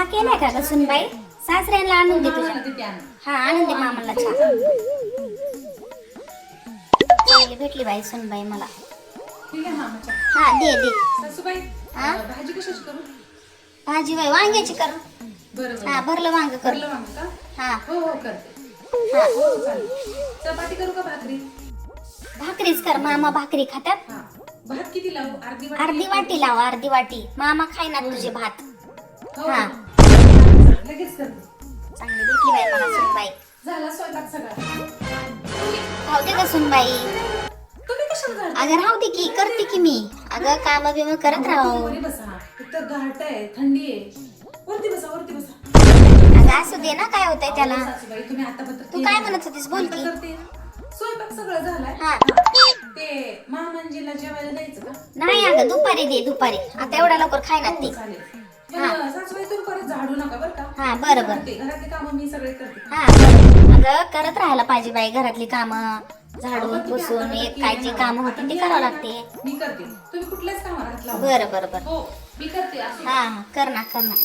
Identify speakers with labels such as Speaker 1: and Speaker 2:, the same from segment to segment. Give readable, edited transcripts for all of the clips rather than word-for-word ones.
Speaker 1: केलाय का ग सुनबाई? सासऱ्यांना आणून दे तुझ्या. हा आणून दे मामाला चहा. चांगली भेटली बाई सुनबाई मला. हा दे दे. हा
Speaker 2: भाजी कशाची करू?
Speaker 1: भाजी बाई वांग्याची कर.
Speaker 2: बरोबर.
Speaker 1: हा भरलं वांग कर. हा
Speaker 2: हो करते.
Speaker 1: हा
Speaker 2: चपाती करू का भाकरी?
Speaker 1: भाकरीच कर. मामा भाकरी खातात.
Speaker 2: भात किती लावू?
Speaker 1: अर्धी वाटी लाव. अर्धी वाटी. मामा खायना तुझे भात. हा
Speaker 2: लगेच करते.
Speaker 1: चांगली भेटली बाई मला सुनबाई.
Speaker 2: झाला स्वयंपाक सगळा?
Speaker 1: राहू दे का सुनबाई?
Speaker 2: तुम्ही कशाला घालता?
Speaker 1: अगं राहू दे की करते की मी. अगं काम बिम करत राहू.
Speaker 2: वरी बसा. इथं घाट आहे, थंडी आहे. वरती बसा, वरती बसा.
Speaker 1: अगं असू दे ना, काय होतंय त्याला.
Speaker 2: सासूबाई तुम्ही आतापर्यंत
Speaker 1: तू काय म्हणत होतीस बोल की.
Speaker 2: करते स्वयंपाक सगळं झालाय.
Speaker 1: हा
Speaker 2: ते महामंजीला जेवायला द्यायचं का?
Speaker 1: नाही अगं दुपारी दे दुपारी. आता एवढा लवकर खाय ना ते.
Speaker 2: चालेल. पण सासूबाई तुम्ही परत झाडू नका बरं का?
Speaker 1: हा बरं बरं.
Speaker 2: घरातली कामं मी सगळे करते.
Speaker 1: हा बरं. अगं करत राहायला पाहिजे बाई घरातली कामं. झाडून पुसून एक कायची कामं होती ते करावं लागते.
Speaker 2: मी करते. तुम्ही कुठल्याच कामाला हात लावू
Speaker 1: बरं बरं बरं.
Speaker 2: हो मी करते असं.
Speaker 1: हा कर ना कर ना.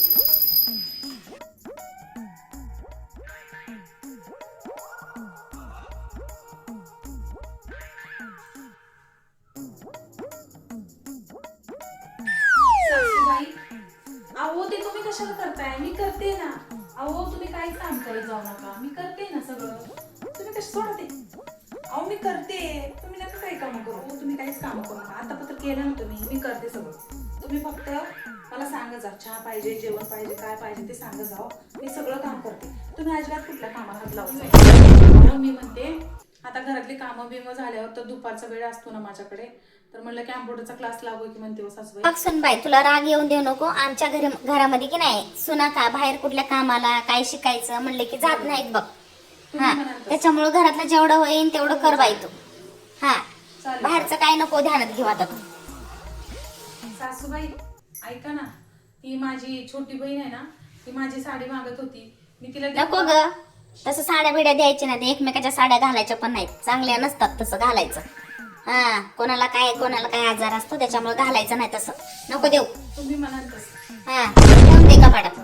Speaker 2: सासूबाई अहो ते तुम्ही कशाला करताय? मी करते ना. अहो तुम्ही काहीच काम करत जाऊ नका. मी करते ना सगळं. तुम्ही कसं सोडा ते. अहो मी करते. तुम्ही नका काही काम करू. तुम्ही काहीच काम करू नका. आता पत्र केलं ना तुम्ही. मी करते सगळं. तुम्ही फक्त मला सांगा जा. चहा पाहिजे, जेवण पाहिजे, काय पाहिजे ते सांगा जाओ. मी सगळं काम करते. तुम्ही अजिबात कुठल्या कामाला हात लावू नका. मी म्हणते आता घरातली कामं बिमं झाल्यावर तर दुपारचा वेळ असतो ना माझ्याकडे, तर म्हणलं कॅम्प्युटरचा क्लास लावू की म्हणते हो सासूबाई.
Speaker 1: बघ सुनबाई तुला राग येऊन देऊ नको. आमच्या घरामध्ये की नाही सुना का बाहेर कुठल्या कामाला काय शिकायचं म्हणले की जात नाहीत बघ. हा त्याच्यामुळे घरातलं जेवढं होईल तेवढं कर बाई तू. हा बाहेरचं काय नको ध्यानात घेऊ आता तू.
Speaker 2: सासूबाई ऐका ना, ती माझी छोटी बहीण आहे ना, ती माझी साडी मागत होती. मी तिला
Speaker 1: नको ग तसं साड्या बिड्या द्यायच्या नाही. एकमेकाच्या साड्या घालायच्या पण नाहीत. चांगल्या नसतात तसं घालायचं. हा कोणाला काय आजार असतो त्याच्यामुळे घालायचं नाही तसं. नको देऊ.
Speaker 2: तुम्ही म्हणाल तसं.
Speaker 1: हा देऊन दे का पाडा.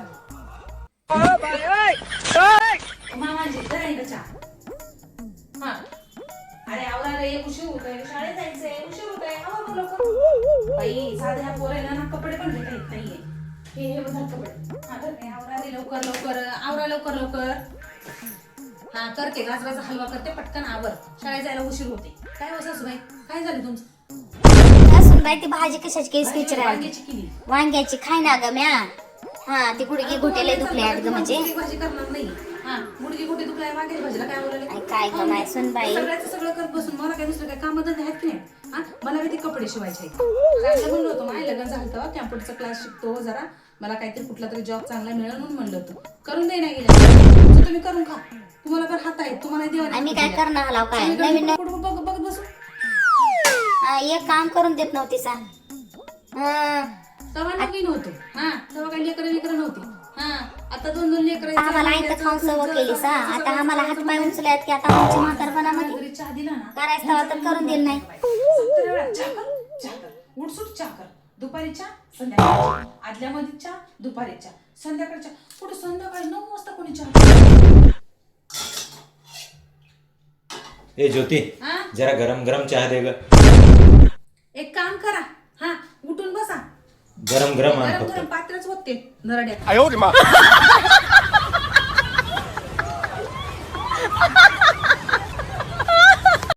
Speaker 2: मामाजी जरा चहा. हा अरे आवरा रे, उशीर होत आहे, शाळेत जायचंय, उशीर होत आहे. आवा लवकर. बाई साध्या पोरांना ना कपडे पण घेता येत नाहीये. हे बघा कपडे. हा तर आवरा रे लवकर लवकर. आवरा लवकर लवकर. हा करते. गाजराचा हलवा करते पटकन आवर. शाळेत जायला उशीर होते. काय हो सासूबाई काय झालं तुमचं?
Speaker 1: सुनबाई ती भाजी कशाची केस विचारायला.
Speaker 2: वांग्याची केली.
Speaker 1: वांग्याची खाय ना ग म्या. हा ती गुडगी घुटेले दुखले आहेत ग म्हणजे.
Speaker 2: भाजी करणार नाही. हा गुडगी गुटे दुखलाय वांग्याची भाजीला काय बोलायला?
Speaker 1: काय ग माय सुनबाई.
Speaker 2: सगळ्याचं सगळं करत बसून मला काय दुसरं काय कामधंदे आहेत की नाही? हा मला किती कपडे शिवायचे आहेत. काय म्हणलं होतं माय लग्न झालं तेव्हा कॅम्प्युटरचा क्लास शिकतो जरा, मला काहीतरी कुठला तरी जॉब चांगला मिळेल म्हणून म्हणलं होतं. करून दे नाही गेलं तुम्ही करून खा. तुम्हाला तर हात आहेत. तुम्हाला देवा
Speaker 1: आम्ही काय करणार हलाव काय नवीन
Speaker 2: बघत बसू.
Speaker 1: एक काम करून देत नव्हती सा.
Speaker 2: तेव्हा नवीन होतो. हा तेव्हा काही लेकरं नव्हती. हा आता 2-2 लेकरं.
Speaker 1: आम्हाला आईचं खाऊन सवय केली सा. आता आम्हाला हात पाय उचलायत की आता आमच्या म्हातारपणामध्ये
Speaker 2: चहा दिला ना
Speaker 1: करायचं तेव्हा तर करून दिलं नाही.
Speaker 2: चहा कर उठसूट चहा कर. दुपारी चहा संध्याकाळी आदल्या मध्ये चहा दुपारी चहा संध्याकाळच्या कुठे संध्याकाळी 9 वाजता कोणी चहा.
Speaker 3: ए ज्योती जरा गरम गरम चहा दे ग.
Speaker 2: एक काम करा. हा उठून बसा.
Speaker 3: गरम गरम आण
Speaker 2: गरम
Speaker 3: फक्त.
Speaker 2: गरम पात्रच होते नरड्यात.